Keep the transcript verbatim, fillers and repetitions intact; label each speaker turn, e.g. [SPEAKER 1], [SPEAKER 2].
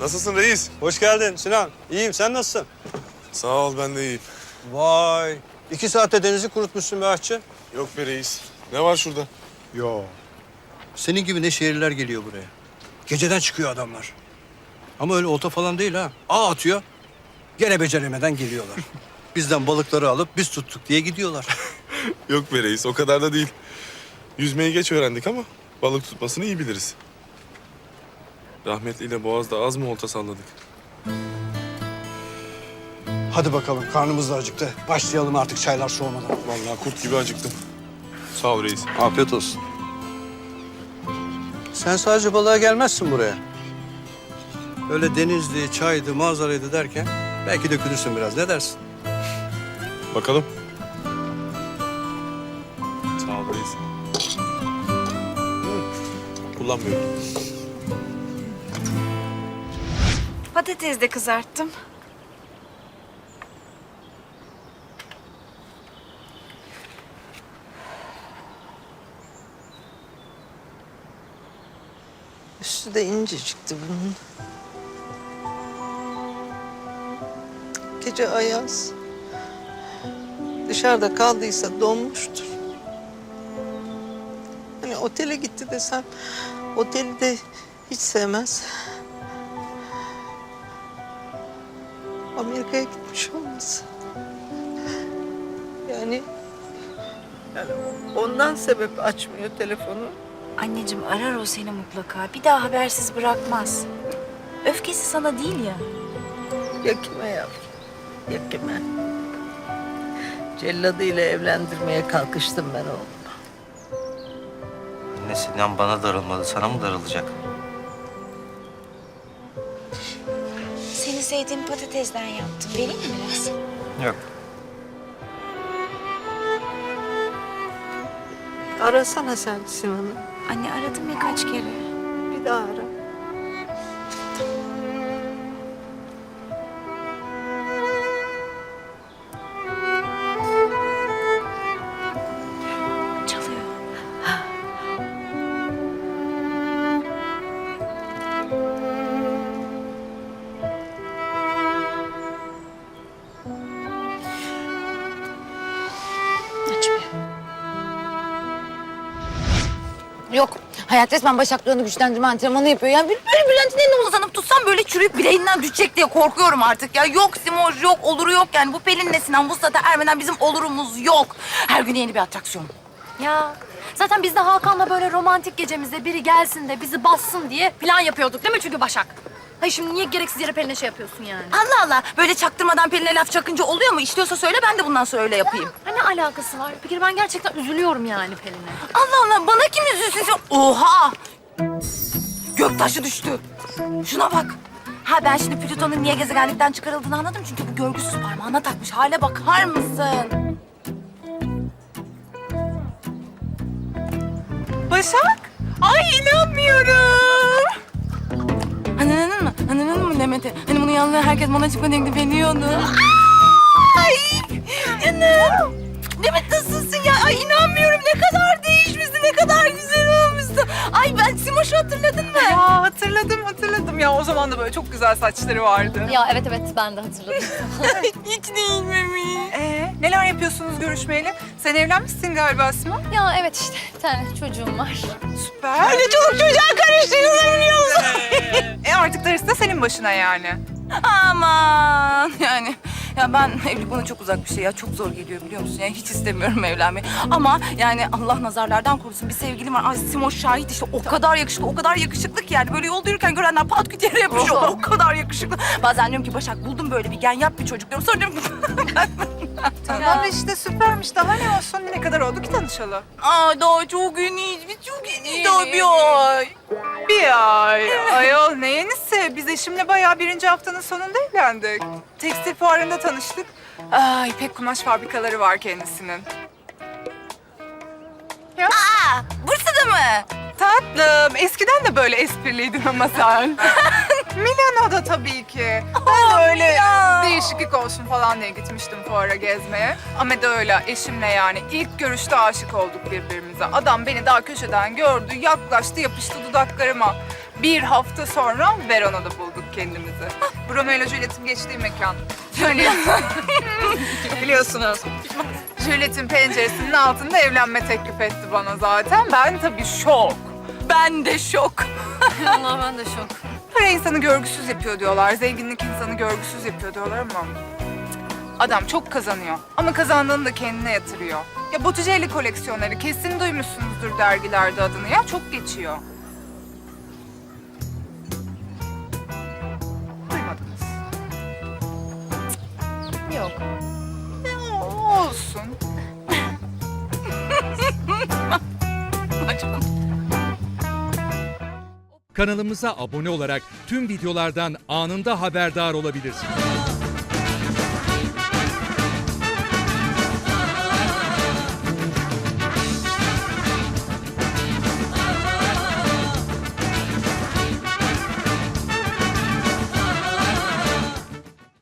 [SPEAKER 1] Nasılsın reis?
[SPEAKER 2] Hoş geldin Sinan. İyiyim, sen nasılsın?
[SPEAKER 1] Sağ ol, ben de iyiyim.
[SPEAKER 2] Vay, iki saatte denizi kurutmuşsun be aşçı.
[SPEAKER 1] Yok be reis. Ne var şurada?
[SPEAKER 2] Yo. Senin gibi ne şehirler geliyor buraya. Geceden çıkıyor adamlar. Ama öyle olta falan değil ha. Ağ atıyor, gene beceremeden geliyorlar. Bizden balıkları alıp biz tuttuk diye gidiyorlar.
[SPEAKER 1] Yok be reis, o kadar da değil. Yüzmeyi geç öğrendik ama balık tutmasını iyi biliriz. Rahmetliyle Boğaz'da az mı olta salladık?
[SPEAKER 2] Hadi bakalım, karnımız da acıktı. Başlayalım artık çaylar soğumadan.
[SPEAKER 1] Vallahi kurt gibi acıktım. Sağ ol reis.
[SPEAKER 2] Afiyet olsun. Sen sadece balığa gelmezsin buraya. Öyle denizli, çaydı, manzaraydı derken belki dökülürsün biraz. Ne dersin?
[SPEAKER 1] Bakalım. Sağ ol reis. Kullanmıyorum.
[SPEAKER 3] Patates de kızarttım.
[SPEAKER 4] Üstü de incecikti bunun. Gece ayaz. Dışarıda kaldıysa donmuştur. Hani otele gitti desem, oteli de hiç sevmez. Amerika'ya gitmiş olmasın. Yani, yani ondan sebep açmıyor telefonu.
[SPEAKER 3] Anneciğim arar o seni mutlaka. Bir daha habersiz bırakmaz. Öfkesi sana değil ya.
[SPEAKER 4] Ya kime yavrum? Ya kime? Celladıyla evlendirmeye kalkıştım ben oğlum.
[SPEAKER 5] Anne Sinan bana darılmadı, sana mı darılacak?
[SPEAKER 3] Seni sevdiğim patatesden yaptım. Vereyim mi biraz?
[SPEAKER 5] Yok.
[SPEAKER 4] Arasana sen Sinan'ı.
[SPEAKER 3] Anne aradım ya kaç kere.
[SPEAKER 4] Bir daha ara.
[SPEAKER 3] Çalıyor. Açmıyor.
[SPEAKER 6] Yok. Hayat resmen başaklarını güçlendirme antrenmanı yapıyor. Yani böyle Bülent'in eline uzanıp tutsam böyle çürüyüp bileğinden düşecek diye korkuyorum artık ya. Yok Simoş yok, oluru yok yani. Bu Pelin'le Sinan bu sata ermeden bizim olurumuz yok. Her gün yeni bir atraksiyon.
[SPEAKER 7] Ya zaten biz de Hakan'la böyle romantik gecemizde biri gelsin de bizi bassın diye plan yapıyorduk değil mi çünkü Başak? Hayır şimdi niye gereksiz yere Pelin'e şey yapıyorsun yani?
[SPEAKER 6] Allah Allah. Böyle çaktırmadan Pelin'e laf çakınca oluyor mu? İstiyorsa söyle ben de bundan sonra öyle yapayım.
[SPEAKER 7] Ha, ne alakası var? Bir kere ben gerçekten üzülüyorum yani Pelin'e.
[SPEAKER 6] Allah Allah. Bana kim üzülsün? sen- Oha! Göktaşı düştü. Şuna bak. Ha ben şimdi Plüton'un niye gezegenlikten çıkarıldığını anladım. Çünkü bu görgüsüz parmağına takmış. Hale bakar mısın?
[SPEAKER 8] Başak? Ay inanmıyorum.
[SPEAKER 6] Anladın mı? Anladın mı Demet'i? Hani bunu yanına herkes bana çıkma teklif ediyordu. Ay! Canım! Demet nasılsın ya? Ay inanmıyorum ne kadar değişmişsin, ne kadar güzel olmuşsun. Ay ben Simoş'u hatırladın mı?
[SPEAKER 8] Ya hatırladım hatırladım ya. O zaman da böyle çok güzel saçları vardı.
[SPEAKER 7] Ya evet evet ben de hatırladım.
[SPEAKER 6] Hiç değilmemiş.
[SPEAKER 8] Ee, neler yapıyorsunuz görüşmeyeli? Sen evlenmişsin galiba Sima.
[SPEAKER 7] Ya evet işte bir tane çocuğum var.
[SPEAKER 8] Süper. Öyle çoluk çocuğa karıştırılır biliyorsun. e artık darısı da senin başına yani.
[SPEAKER 6] Aman yani ya ben evlilik bana çok uzak bir şey ya. Çok zor geliyor biliyor musun? Yani hiç istemiyorum evlenmeyi. Ama yani Allah nazarlardan korusun bir sevgilim var. Ay Simoş şahit işte o kadar yakışıklı, o kadar yakışıklı ki yani. Böyle yolda yürürken görenler pat küt yere yapışıyorlar. O kadar yakışıklı. Bazen diyorum ki Başak buldum böyle bir gen yap bir çocuk diyorum. Sonra diyorum ki
[SPEAKER 8] Tamam işte süpermiş. Daha ne olsun? Ne kadar oldu ki tanışalı?
[SPEAKER 6] aa daha çok yeniyiz. Biz çok yeniyiz daha bir ay.
[SPEAKER 8] Bir ay. Ayol ne yenisi? Biz eşimle bayağı birinci haftanın sonunda evlendik. Tekstil fuarında tanıştık. Ay İpek kumaş fabrikaları var kendisinin. Ya.
[SPEAKER 6] Aa Bursa'da mı?
[SPEAKER 8] Tatlım, eskiden de böyle espriliydin ama sen. Milano'da tabii ki. Ben de öyle değişiklik olsun falan diye gitmiştim fuara gezmeye. Ama da öyle eşimle yani ilk görüşte aşık olduk birbirimize. Adam beni daha köşeden gördü, yaklaştı, yapıştı dudaklarıma. Bir hafta sonra Verona'da bulduk kendimizi. Romeo ile Juliet'in geçtiği mekan. Hani biliyorsunuz. Juliet'in penceresinin altında evlenme teklif etti bana zaten. Ben tabii şok.
[SPEAKER 6] Ben de şok.
[SPEAKER 7] Allah ben de şok.
[SPEAKER 8] Para insanı görgüsüz yapıyor diyorlar. Zenginlik insanı görgüsüz yapıyor diyorlar ama... Adam çok kazanıyor. Ama kazandığını da kendine yatırıyor. Ya Botticelli koleksiyonları kesin duymuşsunuzdur dergilerde adını ya. Çok geçiyor. Duymadınız.
[SPEAKER 7] Yok.
[SPEAKER 8] Ya, olsun.
[SPEAKER 9] Kanalımıza abone olarak tüm videolardan anında haberdar olabilirsiniz.